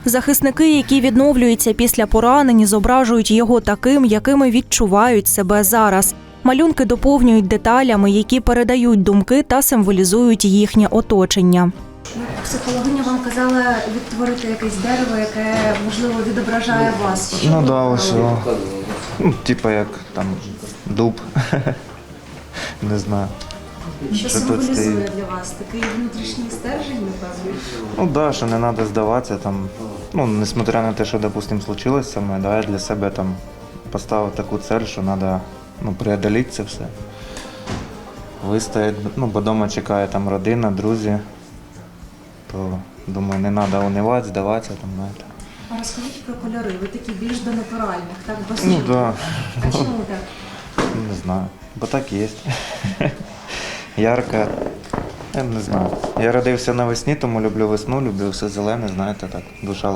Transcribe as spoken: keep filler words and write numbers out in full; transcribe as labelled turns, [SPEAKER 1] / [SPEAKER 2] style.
[SPEAKER 1] Захисники, які відновлюються після поранень, зображують його таким, якими відчувають себе зараз. Малюнки доповнюють деталями, які передають думки та символізують їхнє оточення.
[SPEAKER 2] Психологиня вам казала відтворити якесь дерево, яке, можливо, відображає вас. Що
[SPEAKER 3] Ну
[SPEAKER 2] ви
[SPEAKER 3] да, ось,
[SPEAKER 2] обрали?
[SPEAKER 3] о, ну, типа як там дуб, не знаю.
[SPEAKER 2] Що
[SPEAKER 3] Що тут
[SPEAKER 2] символізує
[SPEAKER 3] стоїть?
[SPEAKER 2] для вас? Такий внутрішній стержень, напевно?
[SPEAKER 3] Ну да, що не треба здаватися там, ну, несмотря на те, що, допустим, случилось со мною, да, я для себе там поставив таку цель, що треба, ну, преодоліти це все. Вистояти, ну, бо вдома чекає там родина, друзі, то, думаю, не треба унивати, здаватися там, знаєте.
[SPEAKER 2] А розкажіть про кольори. Ви такі більш до натуральних, так? Без
[SPEAKER 3] Ну
[SPEAKER 2] жовтих.
[SPEAKER 3] да,
[SPEAKER 2] А чому так?
[SPEAKER 3] не знаю, бо так є. Ярко, я не знаю. Я родився навесні, тому люблю весну, люблю все зелене, знаєте, так, душа